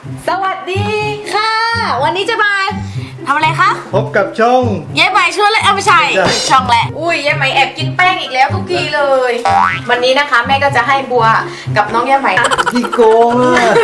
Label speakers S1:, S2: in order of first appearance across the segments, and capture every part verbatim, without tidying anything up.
S1: สวัสดีค่ะวันนี้จะมาทำอะไรคะ
S2: พบกับช่อง
S1: เย้ไหมช่วยเลยเอาไม่ใช่ช่องแหละอุ้ยเย้ไหมแอบกินแป้งอีกแล้วทุกทีเลย วันนี้นะคะแม่ก็จะให้บัวกับน้องเย้ไหม
S2: ที่โกงอ่ะ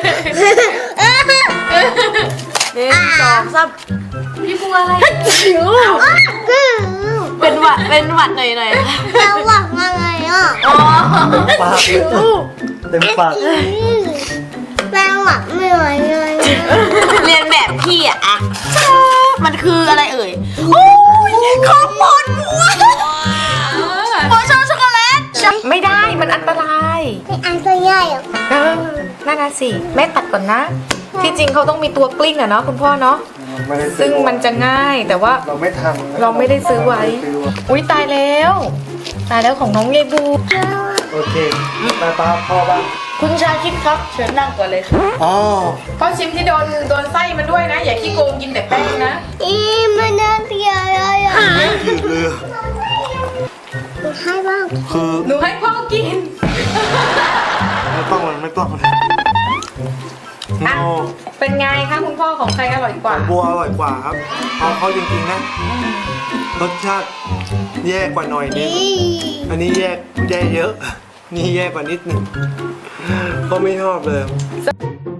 S1: หนึ่งสองสามพี่บัวอะไรจิ๋วเป็นหวัดเป็นหวัดหน่อยหน่อย
S3: แล้วหวังอะไรอ่ะ
S1: อ๋อ
S2: ปากเต็มปาก
S3: แม่หวังไม่ไหวเลย
S1: เรียนแบบพี่อะอะมันคืออะไรเอ่ยโอ้ยขอบคุณบัวบัวชอบช็อกโกแลตไม่ได้มันอันตราย
S3: เป็นอันตัวใหญ่อ่ะ
S1: เออนั่นนะสิแม่ตัดก่อนนะ ที่จริงเขาต้องมีตัวกลิ้งอะเนาะคุณพ่อเนาะ
S2: ไม่ได้ซื้
S1: ซึ่
S2: อง
S1: มันจะง่ายแต่ว่า
S2: เราไม่ทำ
S1: เราไม่ได้ซื้อไว้ อุ้ยตายแล้ว ตายแล้วของน้องเยบู
S2: โอเคตาตาพ่อบ้าง
S1: คุณชาคิดครับเชิญนั่งก่อนเลยค่ะ
S2: อ๋อ
S1: พ่อชิมที่โดนโดนไส้มันด้วยนะ อย่าขี้โกงกินแต่แป้งนะ
S3: อีมันน่าเสียเลยอ่ะ
S2: ผิดเลย
S3: ให้บ้าง
S2: คือ
S1: หนูให้พ่อกิน
S2: ไม่ต้องเลยไม่ต้องเลย
S1: อ่ะ
S2: โอ้
S1: เป็นไงคะคุณพ่อของใครอร่อยกว่า
S2: บัวอร่อยกว่าครับเอาเขาจริงๆนะรสชาติแย่กว่าหน่อยนึง
S3: อี
S2: อันนี้แย่แย่เยอะ นี่แย่กว่านิดหนึงก็ไม่ชอบเลย